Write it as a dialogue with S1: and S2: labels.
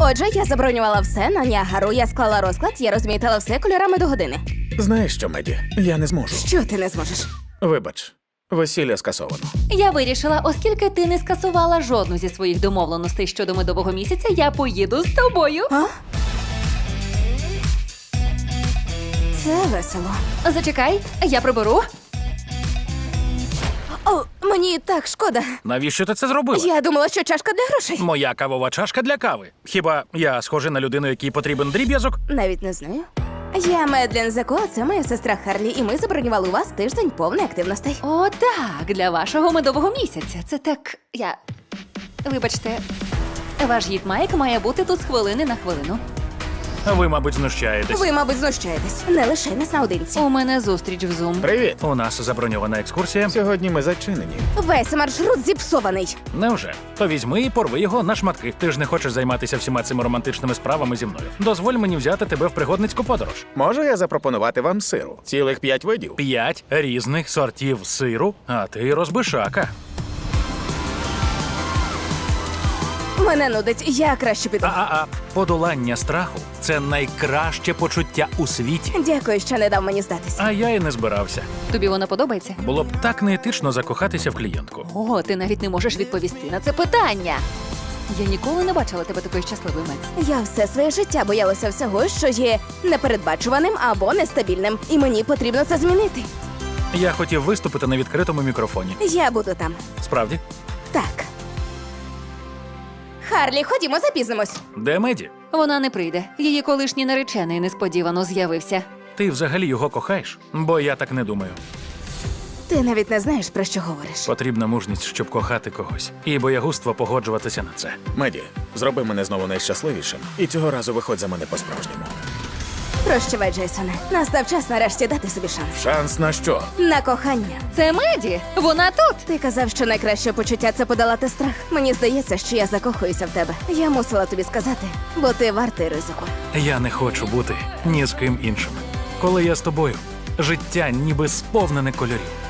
S1: Отже, я забронювала все на Ніагару, я склала розклад, я розмітила все кольорами до години.
S2: Знаєш що, Меді? Я не зможу.
S1: Що ти не зможеш?
S2: Вибач, весілля скасовано.
S3: Я вирішила, оскільки ти не скасувала жодну зі своїх домовленостей щодо медового місяця, я поїду з тобою.
S1: А? Це весело.
S3: Зачекай, я приберу.
S1: О, мені так шкода.
S4: Навіщо ти це зробила?
S1: Я думала, що чашка для грошей.
S4: Моя кавова чашка для кави. Хіба я схожий на людину, якій потрібен дріб'язок?
S1: Навіть не знаю. Я Медлен Зако, це моя сестра Харлі, і ми забронювали у вас тиждень повний активностей.
S3: О, так, для вашого медового місяця. Це так. Вибачте, ваш гід Майк має бути тут з хвилини на хвилину.
S4: Ви, мабуть, знущаєтесь.
S1: Ви, мабуть, знущаєтесь. Не лише нас наодинці.
S3: У мене зустріч в Zoom.
S2: Привіт!
S4: У нас заброньована екскурсія.
S2: Сьогодні ми зачинені.
S1: Весь маршрут зіпсований.
S4: Невже? То візьми і порви його на шматки. Ти ж не хочеш займатися всіма цими романтичними справами зі мною. Дозволь мені взяти тебе в пригодницьку подорож.
S2: Можу я запропонувати вам сиру? Цілих 5 видів.
S4: 5 різних сортів сиру, а ти розбишака.
S1: Мене нудить, я краще піду.
S4: Подолання страху – це найкраще почуття у світі.
S1: Дякую, що не дав мені здатись.
S4: А я і не збирався.
S3: Тобі вона подобається?
S4: Було б так неетично закохатися в клієнтку.
S3: О, ти навіть не можеш відповісти на це питання. Я ніколи не бачила тебе такою щасливою, Мець.
S1: Я все своє життя боялася всього, що є непередбачуваним або нестабільним. І мені потрібно це змінити.
S4: Я хотів виступити на відкритому мікрофоні.
S1: Я буду там.
S4: Справді?
S1: Так. Харлі, ходімо, запізнимось.
S4: Де Меді?
S3: Вона не прийде. Її колишній наречений несподівано з'явився.
S4: Ти взагалі його кохаєш? Бо я так не думаю.
S1: Ти навіть не знаєш, про що говориш.
S4: Потрібна мужність, щоб кохати когось. І боягузтво погоджуватися на це.
S2: Меді, зроби мене знову найщасливішим. І цього разу виходь за мене по-справжньому.
S1: Прощавай, Джейсоне. Настав час нарешті дати собі шанс.
S2: Шанс на що?
S1: На кохання.
S3: Це Меді! Вона тут!
S1: Ти казав, що найкраще почуття – це подолати страх. Мені здається, що я закохуюся в тебе. Я мусила тобі сказати, бо ти вартий ризику.
S4: Я не хочу бути ні з ким іншим. Коли я з тобою, життя ніби сповнене кольорів.